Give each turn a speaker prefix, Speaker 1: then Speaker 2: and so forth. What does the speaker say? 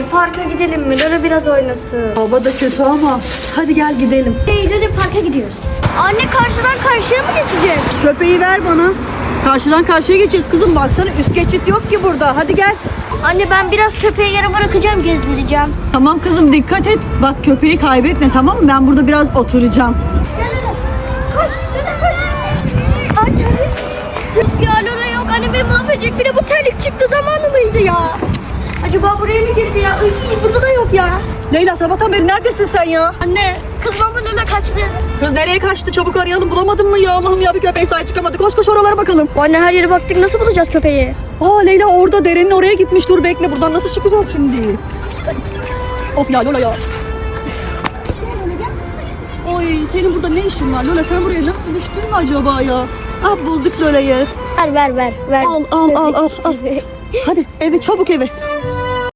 Speaker 1: parka gidelim mi? Lola biraz oynasın.
Speaker 2: Hava da kötü ama hadi gel gidelim.
Speaker 1: Lola parka gidiyoruz. Anne karşıdan karşıya mı geçeceğiz?
Speaker 2: Köpeği ver bana. Karşıdan karşıya geçeceğiz kızım, baksana üst geçit yok ki burada. Hadi gel.
Speaker 1: Anne ben biraz köpeği yere bırakacağım, gezdireceğim.
Speaker 2: Tamam kızım, dikkat et. Bak köpeği kaybetme, tamam mı? Ben burada biraz oturacağım.
Speaker 1: Koş, koş. Ay terlik. Üf ya Lola yok. Annem beni mahvedecek. Bir de bu terlik çıktı zamanı mıydı ya? Acaba buraya mı girdi ya? Üf, burada da yok ya.
Speaker 2: Leyla, sabahtan beri neredesin sen ya?
Speaker 1: Anne kızmamla Lola kaçtı.
Speaker 2: Kız nereye kaçtı? Çabuk arayalım. Bulamadın mı ya? Allah'ım ya, bir köpeğe sahip çıkamadı. Koş koş oralara bakalım.
Speaker 1: Anne her yere baktık, nasıl bulacağız köpeği?
Speaker 2: Aa Leyla orada, derenin oraya gitmiş. Dur bekle, buradan nasıl çıkacağız şimdi? Of ya Lola ya. Oy, senin burada ne işin var Lola? Sen buraya nasıl düştün mü acaba ya? Ah, bulduk Lola'yı.
Speaker 1: Ver.
Speaker 2: Al. Hadi eve, çabuk eve.